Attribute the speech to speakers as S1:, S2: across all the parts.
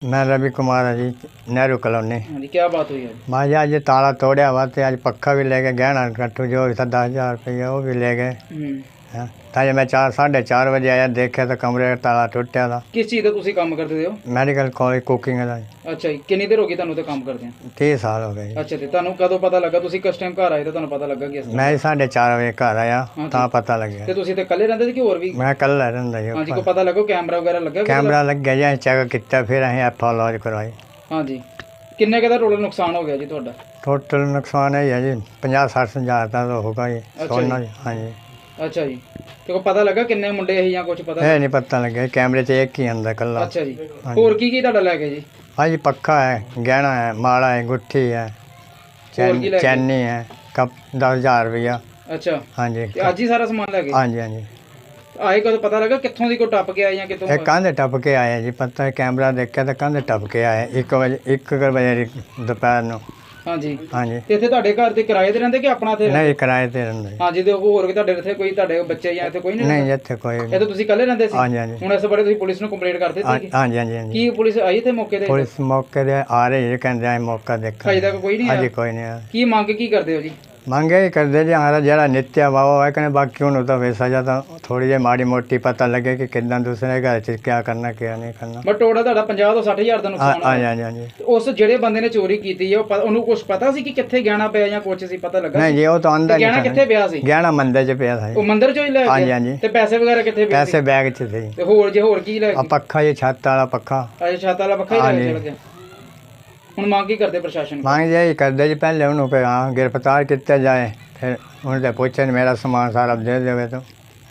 S1: मैं रवि कुमार है जी, नेहरू कॉलोनी।
S2: हाँ जी, क्या बात हुई है?
S1: मैं जी अज ताला तोड़िया हुआ तो अज पक्खा भी ले गए, गहना कट्टू जो भी था 10,000 रुपये वो भी ले गए। हाँ, ताजे मैं 4-4:30 बजे आया, देखा तो कमरे का ताला टुटिया था।
S2: किस चीज़ का तुसी काम करते हो?
S1: मैडिकल कॉलेज कुकिंग का।
S2: अच्छा जी, कितनी देर हो गई ਤੁਹਾਨੂੰ ਤੇ ਕੰਮ ਕਰਦੇ ਆ?
S1: 30 साल हो गए।
S2: ਅੱਛਾ ਤੇ ਤੁਹਾਨੂੰ ਕਦੋਂ ਪਤਾ ਲੱਗਾ? ਤੁਸੀਂ ਕਿਸ ਟਾਈਮ ਘਰ ਆਏ ਤਾਂ ਤੁਹਾਨੂੰ ਪਤਾ ਲੱਗਾ ਕਿ ਇਸ
S1: मैं 4:30 बजे घर आया
S2: हाँ
S1: तो
S2: जी।
S1: पता लग गया।
S2: ਤੇ ਤੁਸੀਂ ਤੇ ਇਕੱਲੇ ਰਹਿੰਦੇ ਸੀ ਕਿ ਹੋਰ ਵੀ?
S1: मैं कल रहा जी।
S2: हाँ जी, को पता लगो कैमरा वगैरह लगा?
S1: कैमरा लग गया जी, चेक किया, फिर अं एफ लॉज करवाई।
S2: हाँ जी, किन्ने का टोटल नुकसान हो गया जी ਤੁਹਾਡਾ?
S1: टोटल नुकसान है जी 50-60 हज़ार का तो होगा जी। सोना जी। हाँ जी।
S2: अच्छा जी, ਤੇ ਕੋ ਪਤਾ ਲੱਗਾ ਕਿੰਨੇ ਮੁੰਡੇ ਸੀ ਜਾਂ ਕੁਝ ਪਤਾ?
S1: नहीं पता लगे, कैमरे से एक ही अंदर कल्ला।
S2: ਅੱਛਾ ਜੀ, ਹੋਰ ਕੀ ਤੁਹਾਡਾ ਲੈ ਗਏ ਜੀ?
S1: हाँ जी, पक्का है, गहना है, माला है, गुट्ठी है,
S2: और की ले गए?
S1: चैनी है, कप 10,000 रुपया।
S2: ਅੱਛਾ,
S1: हाँ जी।
S2: ਤੇ ਅੱਜ ਹੀ ਸਾਰਾ ਸਮਾਨ ਲੈ ਗਏ?
S1: हाँ जी। हाँ जी,
S2: ਆਏ ਕਦੋਂ ਪਤਾ ਲੱਗਾ ਕਿੱਥੋਂ ਦੀ ਕੋ ਟੱਪ ਕੇ ਆਏ ਜਾਂ ਕਿੱਥੋਂ?
S1: एक कंध टप के आए जी, पता है कैमरा देखा तो कंध टप के आए 1 बजे दोपहर को।
S2: हाँ जी।
S1: हाँ जी।
S2: ਤੇ ਇੱਥੇ ਤੁਹਾਡੇ ਘਰ ਤੇ ਕਿਰਾਏ ਤੇ ਰਹਿੰਦੇ ਕਿ ਆਪਣਾ ਇੱਥੇ?
S1: नहीं, किराए ते रहंदे।
S2: हाँ जी, ਤੇ ਹੋਰ ਵੀ ਤੁਹਾਡੇ ਇੱਥੇ ਕੋਈ ਤੁਹਾਡੇ ਬੱਚੇ ਜਾਂ ਇੱਥੇ ਕੋਈ ਨਹੀਂ?
S1: नहीं इत्थे कोई।
S2: ਇਹ ਤਾਂ ਤੁਸੀਂ ਇਕੱਲੇ ਰਹਿੰਦੇ ਸੀ?
S1: हाँ जी। हाँ जी।
S2: ਹੁਣ ਇਸ ਬਾਰੇ ਤੁਸੀਂ ਪੁਲਿਸ ਨੂੰ ਕੰਪਲੇਂਟ ਕਰ ਦਿੱਤੀ?
S1: हाँ जी। हाँ जी। हाँ जी।
S2: ਕੀ ਪੁਲਿਸ ਆਈ ਤੇ ਮੌਕੇ ਤੇ?
S1: पुलिस मौके पे आ रही है, कहते हैं मौका देखा।
S2: ਅਜੇ तक ਕੋਈ ਨਹੀਂ
S1: हाँ
S2: ਆਇਆ?
S1: जी, कोई नहीं आया।
S2: ਕੀ ਮੰਗ ਕੀ ਕਰਦੇ ਹੋ ਜੀ?
S1: मंगे ही कर दे जी, हमारा जरा नित्य वाह है कने, बाकी हूँ तो वैसा जाता थोड़ी जी माड़ी मोटी पता लगे कि कितना दूसरे घर च क्या करना क्या नहीं करना।
S2: ਬਟ ਟੋਟਲ ਤੁਹਾਡਾ 50 ਤੋਂ 60 ਹਜ਼ਾਰ ਦਾ
S1: हाँ
S2: ਨੁਕਸਾਨ
S1: हाँ
S2: ਹੋਇਆ।
S1: जी। हाँ जी।
S2: ਤੇ ਉਸ ਜਿਹੜੇ ਬੰਦੇ ਨੇ ਚੋਰੀ ਕੀਤੀ ਹੈ ਉਹਨੂੰ ਕੁਝ ਪਤਾ ਸੀ ਕਿ ਕਿੱਥੇ ਗਹਿਣਾ ਪਿਆ ਜਾਂ ਕੁਝ ਸੀ ਪਤਾ ਲੱਗਾ?
S1: नहीं जी, वो तो अंदर
S2: ਗਹਿਣਾ
S1: नहीं
S2: ਕਿੱਥੇ
S1: था।
S2: ਪਿਆ ਸੀ?
S1: गहना मंदिर च पिया था
S2: ਉਹ
S1: जी।
S2: ਮੰਦਿਰ ਚੋਂ ਹੀ ਲੈ
S1: हाँ जी।
S2: ਗਏ?
S1: हाँ जी।
S2: ਤੇ ਪੈਸੇ ਵਗੈਰਾ ਕਿੱਥੇ ਪਏ ਸੀ?
S1: पैसे बैग च थे।
S2: ਤੇ ਹੋਰ ਕੀ ਲੈ
S1: आ
S2: ਗਏ?
S1: पक्खा जी, छत वाला पक्खा।
S2: ਅੱਛਾ, ਛੱਤ ਵਾਲਾ ਪੱਖਾ ਹੀ
S1: हाँ
S2: ਲੈ
S1: जी।
S2: ਕੇ ਚਲ ਗਿਆ। ਹੁਣ ਮੰਗ ਕੀ ਕਰਦੇ ਪ੍ਰਸ਼ਾਸਨ ਕੋਲ?
S1: मांग यही कर दे जी, पहले उन्होंने हाँ गिरफ्तार किया जाए, फिर उनसे पूछे मेरा सामान सारा दे देवे तो।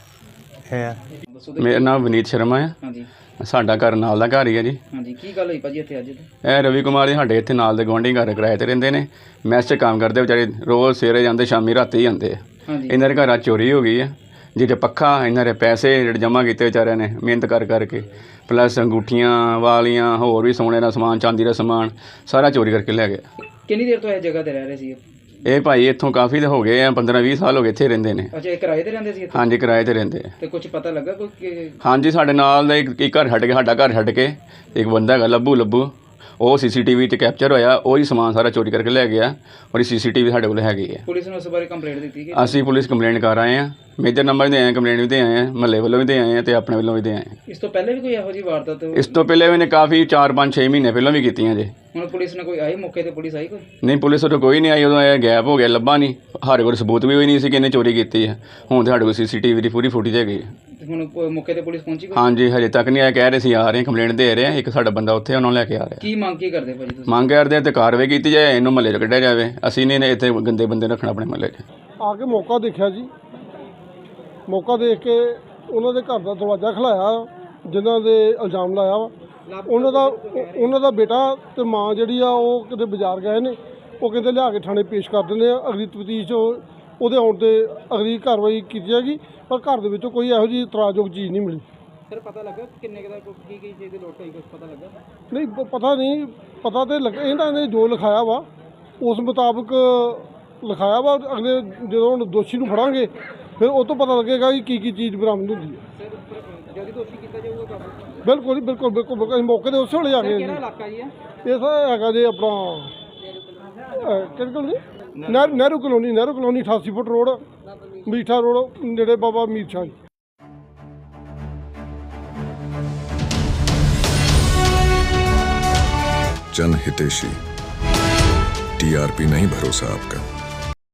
S2: ਦੱਸੋ ਤੇ-
S3: ਮੇਰਾ ਨਾਮ ਵਿਨੀਤ ਸ਼ਰਮਾ ਹੈ।
S2: ਹਾਂਜੀ।
S3: ਸਾਡਾ ਘਰ ਨਾਲ ਦਾ ਘਰ ਹੀ ਹੈ ਜੀ।
S2: ਹਾਂਜੀ, ਕੀ ਗੱਲ ਹੋਈ ਭਾਜੀ ਇੱਥੇ ਅੱਜ?
S3: ਇਹ ਰਵੀ ਕੁਮਾਰ ਜੀ ਸਾਡੇ ਇੱਥੇ ਨਾਲ ਦੇ ਗੁਆਂਢੀ ਘਰ ਕਿਰਾਏ ਤੇ ਰਹਿੰਦੇ ਨੇ। ਮੈਸ 'ਚ ਕੰਮ ਕਰਦੇ ਵਿਚਾਰੇ, ਰੋਜ਼ ਸਵੇਰੇ ਜਾਂਦੇ ਸ਼ਾਮੀ ਰਾਤੀ ਜਾਂਦੇ ਆ।
S2: ਹਾਂਜੀ।
S3: ਇਹਨਾਂ ਦੇ ਘਰਾਂ 'ਚ ਚੋਰੀ ਹੋ ਗਈ ਹੈ, ਜਿਹਦੇ ਪੱਖਾ ਇਹਨਾਂ ਦੇ ਪੈਸੇ ਜਿਹੜੇ ਜਮ੍ਹਾਂ ਕੀਤੇ ਵਿਚਾਰਿਆਂ ਨੇ ਮਿਹਨਤ ਕਰ ਕਰਕੇ, ਪਲੱਸ ਅੰਗੂਠੀਆਂ ਵਾਲੀਆਂ ਹੋਰ ਵੀ ਸੋਨੇ ਦਾ ਸਮਾਨ, ਚਾਂਦੀ ਦਾ ਸਮਾਨ ਸਾਰਾ ਚੋਰੀ ਕਰਕੇ ਲੈ ਗਏ।
S2: ਕਿੰਨੀ ਦੇਰ ਤੋਂ ਇਹ ਜਗ੍ਹਾ ਤੇ ਰਹਿ ਰਹੇ ਸੀ?
S3: ਇਹ ਭਾਈ ਇੱਥੋਂ ਕਾਫੀ ਹੋ ਗਏ ਆ, 15-20 ਸਾਲ ਹੋ ਗਏ ਇੱਥੇ ਰਹਿੰਦੇ ਨੇ।
S2: ਅੱਛਾ, ਇਹ ਕਿਰਾਏ ਤੇ ਰਹਿੰਦੇ ਸੀ ਇੱਥੇ?
S3: ਹਾਂਜੀ, ਕਿਰਾਏ ਤੇ ਰਹਿੰਦੇ ਆ।
S2: ਤੇ ਕੁਝ ਪਤਾ ਲੱਗਾ ਕੋਈ?
S3: ਹਾਂਜੀ, ਸਾਡੇ ਨਾਲ ਦਾ ਇੱਕ ਘਰ ਛੱਡ ਕੇ, ਸਾਡਾ ਘਰ ਛੱਡ ਕੇ ਇੱਕ ਬੰਦਾ ਹੈਗਾ ਲੱਭੂ, ਉਹ CCTV 'ਤੇ ਕੈਪਚਰ ਹੋਇਆ, ਉਹ ਹੀ ਸਮਾਨ ਸਾਰਾ ਚੋਰੀ ਕਰਕੇ ਲੈ ਗਿਆ। ਔਰ CCTV ਸਾਡੇ ਕੋਲ ਹੈਗੀ ਹੈ।
S2: ਪੁਲਿਸ ਨੂੰ ਇਸ ਬਾਰੇ ਕੰਪਲੇਂਟ ਦਿੱਤੀ ਕਿ?
S3: ਅਸੀਂ ਪੁਲਿਸ ਕੰਪਲੇਂਟ ਕਰ ਆਏ ਹਾਂ, ਮੇਜਰ ਨੰਬਰ ਦੇ ਆਏ, ਕੰਪਲੇਂਟ ਵੀ ਦੇ ਆਏ ਹਾਂ, ਮਹੱਲੇ ਵੱਲੋਂ ਵੀ ਦੇ ਆਏ ਹਾਂ ਤੇ ਆਪਣੇ ਵੱਲੋਂ ਵੀ ਦੇ ਆਏ ਹਾਂ।
S2: ਇਸ ਤੋਂ ਪਹਿਲੇ ਵੀ ਕੋਈ ਇਹੋ ਜਿਹੀ ਵਾਰਦਾਤ?
S3: ਇਸ ਤੋਂ ਪਹਿਲੇ ਵੀ ਨੇ ਕਾਫੀ 4-5-6 ਮਹੀਨੇ ਪਹਿਲਾਂ ਵੀ ਕੀਤੀਆਂ ਜੇ।
S2: ਹੁਣ ਪੁਲਿਸ ਨੇ ਕੋਈ ਆਈ ਮੌਕੇ ਤੇ? ਪੁਲਿਸ ਆਈ ਕੋਈ?
S3: ਨਹੀਂ, ਪੁਲਿਸ ਉਦੋਂ ਕੋਈ ਨਹੀਂ ਆਈ, ਉਦੋਂ ਇਹ ਗੈਪ ਹੋ ਗਿਆ, ਲੱਭਾ ਨਹੀਂ। ਸਾਡੇ ਕੋਲ ਸਬੂਤ ਵੀ ਹੋਈ ਨਹੀਂ ਸੀ ਕਿ ਇਹਨੇ ਚੋਰੀ ਕੀਤੀ ਹੈ। ਹੁਣ ਸਾਡੇ ਕੋਲ CCTV ਦੀ ਪੂਰੀ ਫੁਟੇਜ ਹੈਗੀ ਹੈ।
S2: ਤੇ ਹੁਣ ਮੌਕੇ ਤੇ ਪੁਲਿਸ ਪਹੁੰਚੀ ਕੋਈ?
S3: ਹਾਂਜੀ, ਹਜੇ ਤੱਕ ਨਹੀਂ ਆਇਆ, ਕਹਿ ਰਹੇ ਸੀ ਆ ਰਹੇ, ਕੰਪਲੇਂਟ ਦੇ ਰਹੇ ਆ। ਇੱਕ ਸਾਡਾ ਬੰਦਾ ਉੱਥੇ ਉਹਨਾਂ ਨੂੰ ਲੈ ਕੇ ਆ ਰਿਹਾ।
S2: ਕੀ ਮੰਗ ਕੀ ਕਰਦੇ ਭਾਜੀ ਤੁਸੀਂ?
S3: ਮੰਗ ਕਰਦੇ ਤੇ ਕਾਰਵਾਈ ਕੀਤੀ ਜਾਏ, ਇਹਨੂੰ ਮਹੱਲੇ 'ਚ ਕੱਢਿਆ ਜਾਵੇ। ਅਸੀਂ ਨਹੀਂ ਇੱਥੇ ਗੰਦੇ ਬੰਦੇ ਰੱਖਣਾ ਆਪਣੇ ਮਹੱਲੇ 'ਚ।
S4: ਆ ਕੇ ਮੌਕਾ ਦੇਖਿਆ ਜੀ, ਮੌਕਾ ਦੇਖ ਕੇ ਉਹਨਾਂ ਦੇ ਘਰ ਦਾ ਦਰਵਾਜ਼ਾ ਖਲਾਇਆ, ਜਿਨ੍ਹਾਂ ਦੇ ਇਲਜ਼ਾਮ ਲਾਇਆ ਵਾ। ਉਹਨਾਂ ਦਾ ਬੇਟਾ ਤੇ ਮਾਂ ਜਿਹੜੀ ਆ ਉਹ ਕਿਤੇ ਬਾਜ਼ਾਰ ਗਏ ਨੇ, ਉਹ ਕਹਿੰਦੇ ਲਿਆ ਕੇ ਥਾਣੇ ਪੇਸ਼ ਕਰ ਦਿੰਦੇ ਆ। ਅਗਲੀ ਤਫਤੀਸ਼ ਉਹਦੇ ਆਉਣ 'ਤੇ ਅਗਲੀ ਕਾਰਵਾਈ ਕੀਤੀ ਜਾਏਗੀ, ਪਰ ਘਰ ਦੇ ਵਿੱਚੋਂ ਕੋਈ ਇਹੋ ਜਿਹੀ ਇਤਰਾਜ਼ਯੋਗ ਚੀਜ਼ ਨਹੀਂ ਮਿਲੀ।
S2: ਸਰ ਪਤਾ ਲੱਗਾ ਕਿੰਨੇ ਦਾ ਕੀ ਚੀਜ਼ ਦੀ ਲੋਟ ਹੋਈ? ਕੁਝ ਪਤਾ ਲੱਗਾ?
S4: ਨਹੀਂ, ਪਤਾ ਨਹੀਂ, ਪਤਾ ਤੇ ਲੱਗਾ ਇਹਨਾਂ ਨੇ ਜੋ ਲਿਖਾਇਆ ਵਾ ਉਸ ਮੁਤਾਬਕ ਲਿਖਾਇਆ ਵਾ। ਅਗਲੇ ਜਦੋਂ ਹੁਣ ਦੋਸ਼ੀ ਨੂੰ ਫੜਾਂਗੇ ਫਿਰ ਉਹ ਤੋਂ ਪਤਾ ਲੱਗੇਗਾ ਕਿ ਕੀ ਚੀਜ਼ ਬਰਾਮਦ ਹੁੰਦੀ ਹੈ।
S2: ਸਰ ਜਲਦੀ ਦੋਸ਼ੀ ਕੀਤਾ ਜਾਊਗਾ ਕਾਬੂ?
S4: ਬਿਲਕੁਲ ਜੀ, ਬਿਲਕੁਲ। ਅਸੀਂ ਮੌਕੇ 'ਤੇ ਉਸੇ ਵੇਲੇ ਆ ਗਏ ਜੀ।
S2: ਕਿਹੜਾ ਇਲਾਕਾ ਜੀ?
S4: ਇਹ ਸਰ ਹੈਗਾ ਜੀ ਆਪਣਾ ਕਿਹੜੀ colony? Nehru colony 88 foot road, Meetha road, ਨੇੜੇ ਬਾਬਾ ਮੀਰ ਸ਼ਾਹ ਜੀ।
S5: जन हितेशी, TRP नहीं भरोसा आपका।